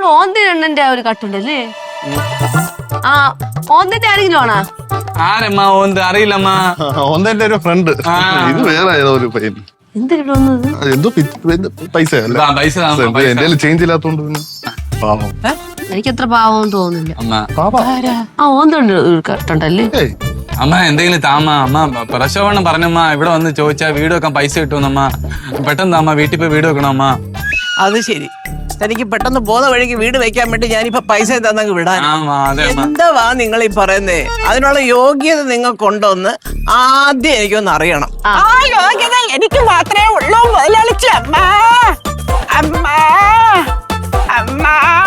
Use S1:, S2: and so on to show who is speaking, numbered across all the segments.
S1: ഓന്തിരണ്ണന്റെ ഒരു കട്ടുണ്ടല്ലേ? ആ ഓന്തിന്റെ ആരെങ്കിലും ആണോ?
S2: ആരമ്മ ഓന്ത് അറിയില്ലമ്മ.
S3: ഓന്തെന്റെ ഒരു ഫ്രണ്ട്. ഇത് വേറെ ഏതോ ഒരു പയ്യൻ.
S1: എന്തിനു വന്നത്?
S3: എന്തോ പൈസ എന്റെ ചേഞ്ച് ഇല്ലാത്തോണ്ട് പാവം.
S1: എനിക്ക് അത്ര പാവം തോന്നുന്നില്ല.
S2: അമ്മ
S1: ആ ഓന്തുണ്ട് ഒരു കട്ടുണ്ടല്ലേ?
S2: അമ്മ എന്തെങ്കിലും താമ. അമ്മ പ്രശോഭനം പറഞ്ഞമ്മ ഇവിടെ വന്ന് ചോദിച്ചാ വീട് വെക്കാൻ പൈസ കിട്ടുമെന്നമ്മ. പെട്ടെന്ന് അമ്മ വീട്ടിൽ പോയി വീട് വെക്കണം അമ്മ.
S4: അത് ശരി. തനിക്ക് പെട്ടെന്ന് പോകുന്ന വഴിക്ക് വീട് വെക്കാൻ വേണ്ടി ഞാനിപ്പോ പൈസ തന്നങ്ങ് വിടാൻ. എന്താ നിങ്ങൾ ഈ പറയുന്നേ? അതിനുള്ള യോഗ്യത നിങ്ങൾക്കുണ്ടോന്ന് ആദ്യം എനിക്കൊന്ന് അറിയണം. ആ യോഗ്യത എനിക്ക് മാത്രമേ ഉള്ളൂ മുതലാളിച്ചി. അമ്മ അമ്മ അമ്മ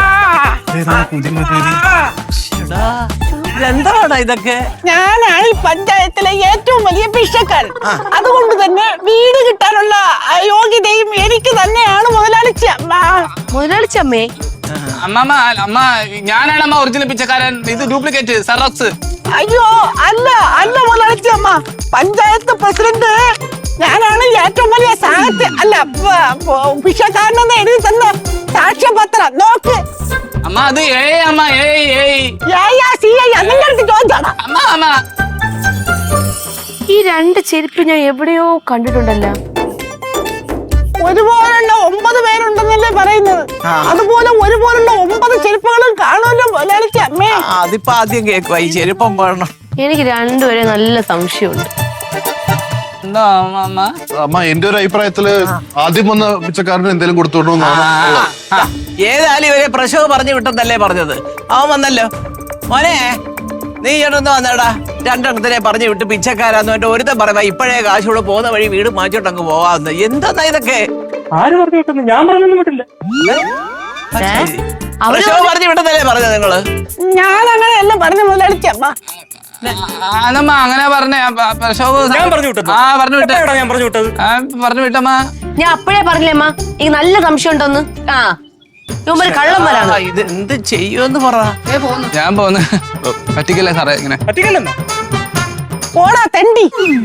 S4: എന്താടാ ഇതൊക്കെ? ഞാനാണ് ഈ പഞ്ചായത്തിലെ ഏറ്റവും വലിയ ഭിക്ഷക്കാരൻ. അതുകൊണ്ട് തന്നെ വീട് കിട്ടാനുള്ള യോഗ്യതയും എനിക്ക് തന്നെയാണ് മുതലാളിച്ചി. അമ്മ
S1: മുതലാളിച്ചി അമ്മേ?
S2: അമ്മ അമ്മ ഞാനാണ് അമ്മ ഒറിജിനൽ പിച്ചക്കാരൻ. ഇത് ഡ്യൂപ്ലിക്കേറ്റ് സെറോക്സ്.
S4: അയ്യോ അല്ല അല്ല മുതലാളിച്ചി അമ്മ, പഞ്ചായത്ത് പ്രസിഡന്റ് ഞാനാണ് ഏറ്റവും വലിയ സാഹിത്യ അല്ല ഭിക്ഷക്കാരനെന്ന് എഴുതി തന്ന സാക്ഷ്യപത്രം നോക്ക്.
S2: അമ്മ അത് അമ്മ
S4: അമ്മ
S1: ഈ രണ്ട് ചെരുപ്പ് ഞാൻ എവിടെയോ കണ്ടിട്ടുണ്ടല്ലോ.
S4: ഒരുപോലുള്ള 9 പേരുണ്ടെന്നല്ലേ പറയുന്നത്. അതുപോലെ ഒരുപോലുള്ള 9 ചെരുപ്പുകളും കാണുമല്ലോ മുതലാളിച്ചി അമ്മേ. അതിപ്പോ ആദ്യം കേൾക്കുക ഈ ചെരുപ്പം പോകണം.
S1: എനിക്ക് രണ്ടുപേരെ നല്ല സംശയമുണ്ട്.
S3: അമ്മ എന്റെ ഒരു അഭിപ്രായത്തില് ആദ്യം വന്ന പിച്ചക്കാരന് എന്തെങ്കിലും കൊടുത്തോണ്ടോ.
S4: ഏതായാലും ഇവരെ പ്രശോഭ പറഞ്ഞു വിട്ടെന്നല്ലേ പറഞ്ഞത്. അവൻ വന്നല്ലോ. മോനെ നീ ചേട്ടൊന്ന് വന്നേടാ. രണ്ടെണ്ണത്തിനെ പറഞ്ഞു വിട്ട് പിച്ചക്കാരാന്ന് പറഞ്ഞിട്ട് ഒരുത്തൻ പറയാ ഇപ്പോഴേ കാശൂടെ പോകുന്ന വഴി വീട് മാറ്റിട്ടങ്ങ് പോവാന്ന്. എന്താ ഇതൊക്കെ?
S5: ആര് പറഞ്ഞു വിട്ടെന്ന്? ഞാൻ പറഞ്ഞൊന്നും വിട്ടില്ല.
S4: പ്രശോഭ പറഞ്ഞു വിട്ടെന്നല്ലേ പറഞ്ഞത് നിങ്ങള്? ഞാൻ അങ്ങനെ എല്ലാം പറഞ്ഞു മുതലാളിച്ചി അമ്മ.
S2: അങ്ങനെ പറഞ്ഞേ പറഞ്ഞു വിട്ടമ്മ.
S1: ഞാൻ അപ്പഴേ പറഞ്ഞില്ലേ അമ്മ എനിക്ക് നല്ല സംശയം ഉണ്ടോന്ന്. കള്ളം വരാണ്.
S4: ഇത് എന്ത് ചെയ്യുമെന്ന് പറ.
S2: ഞാൻ പോന്ന് പറ്റിക്കല്ലേ സാറേ? ഇങ്ങനെ
S5: പറ്റിക്കല്ലെന്നോ?
S4: പോടാ തെണ്ടി.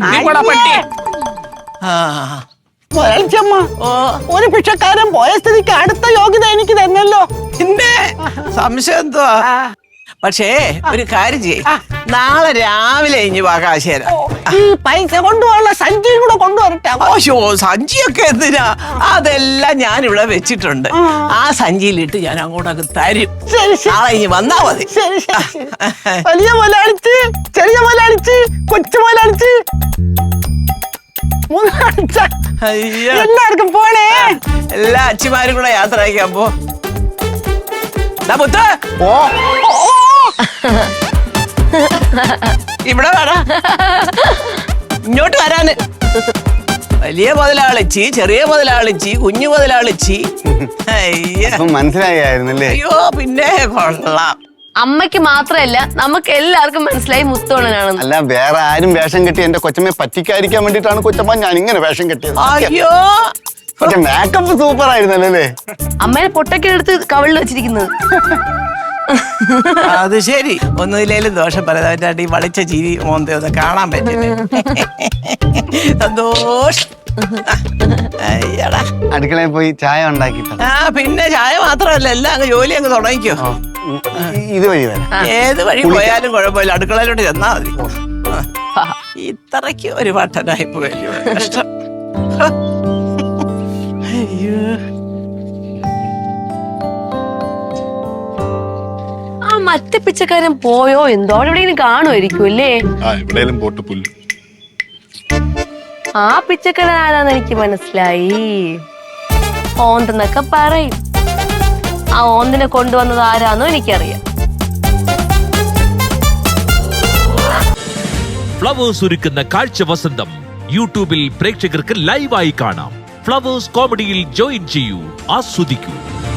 S4: മുതലാളിച്ചമ്മ, ഒരു ഭിക്ഷക്കാരൻ പോയ സ്ഥിതിക്ക് അടുത്ത യോഗ്യത എനിക്ക് തന്നല്ലോ. പിന്നെ സംശയം എന്തുവാ? പക്ഷേ ഒരു കാര്യം ചെയ്യ്, നാളെ രാവിലെ ഇനി ആകാശേരാ ഈ പൈസ കൊണ്ടുപോകാനുള്ള സഞ്ചിയും കൂടെ കൊണ്ടുവരട്ടെ. ഓശോ സഞ്ചിയൊക്കെ എന്തിനാ? അതെല്ലാം ഞാൻ ഇവിടെ വെച്ചിട്ടുണ്ട്. ആ സഞ്ചിയിലിട്ട് ഞാൻ അങ്ങോട്ടൊക്കെ തരും. നാളെ ഇനി വന്നാ മതി. വലിയ മുതലാളിച്ച്, ചെറിയ മുതലാളിച്ച്, കൊച്ചു മുതലാളിച്ച്, എല്ലാവർക്കും പോണേ. എല്ലാ അച്ഛന്മാരും കൂടെ യാത്ര അയക്കാൻ പോ. ഇവിടെ വേണം ഇങ്ങോട്ട് വരാന്. വലിയ മുതലാളിച്ചി, ചെറിയ മുതലാളിച്ചി, കുഞ്ഞു മുതലാളിച്ചി.
S3: മനസ്സിലായിരുന്നല്ലേ?
S4: അയ്യോ പിന്നെ കൊള്ളാം.
S1: അമ്മയ്ക്ക് മാത്രല്ല നമുക്ക് എല്ലാവർക്കും മനസ്സിലായി മുത്തോളനാണെന്ന്.
S3: അല്ല വേറെ ആരും വേഷം കെട്ടി എന്റെ കൊച്ചമ്മയെ പറ്റിക്കാതിരിക്കാൻ വേണ്ടിട്ടാണ് കൊച്ചമ്മ ഞാൻ ഇങ്ങനെ വേഷം കെട്ടിയത്.
S4: അയ്യോ
S3: പക്ഷെ മേക്കപ്പ് സൂപ്പർ ആയിരുന്നല്ലേ?
S1: അമ്മേനെ പൊട്ടൊക്കെ എടുത്ത് കവളിൽ വെച്ചിരിക്കുന്നത്.
S4: അത് ശരി. ഒന്നുമില്ലേലും ദോഷം പറയാൻ ഈ വളിച്ച ചിരി മോന്തെ ഒന്ന് കാണാൻ പറ്റില്ല. സന്തോഷം.
S3: അടുക്കളയിൽ പോയി ചായ ഉണ്ടാക്കി.
S4: പിന്നെ ചായ മാത്രമല്ല എല്ലാം അങ്ങ് ജോലി അങ്ങ് തുടങ്ങിക്കോ.
S3: ഇത് വഴി വരാം.
S4: ഏത് വഴി പോയാലും കുഴപ്പമില്ല, അടുക്കളയിലോട്ട് ചെന്നാ മതി. ഇത്രയ്ക്ക് ഒരു പട്ടനായി പോയല്ലോ. കഷ്ടം. അയ്യോ
S1: മറ്റേ പിച്ചക്കാരൻ പോയോ എന്തോ? അവിടെ എവിടെയെങ്കിലും കാണുമായിരിക്കും അല്ലേ? ആ പിച്ചക്കാരൻ ആരാന്ന് എനിക്ക് മനസ്സിലായി. ഓന്തെന്നൊക്കെ പറയും. ആ ഓന്തിനെ കൊണ്ടുവന്നത് ആരാന്നോ എനിക്കറിയാം.
S6: ഫ്ലവേഴ്സ് ഒരുക്കുന്ന കാഴ്ച വസന്തം യൂട്യൂബിൽ പ്രേക്ഷകർക്ക് ലൈവായി കാണാം. ഫ്ലവേഴ്സ് കോമഡിയിൽ ജോയിൻ ചെയ്യൂ, ആസ്വദിക്കൂ.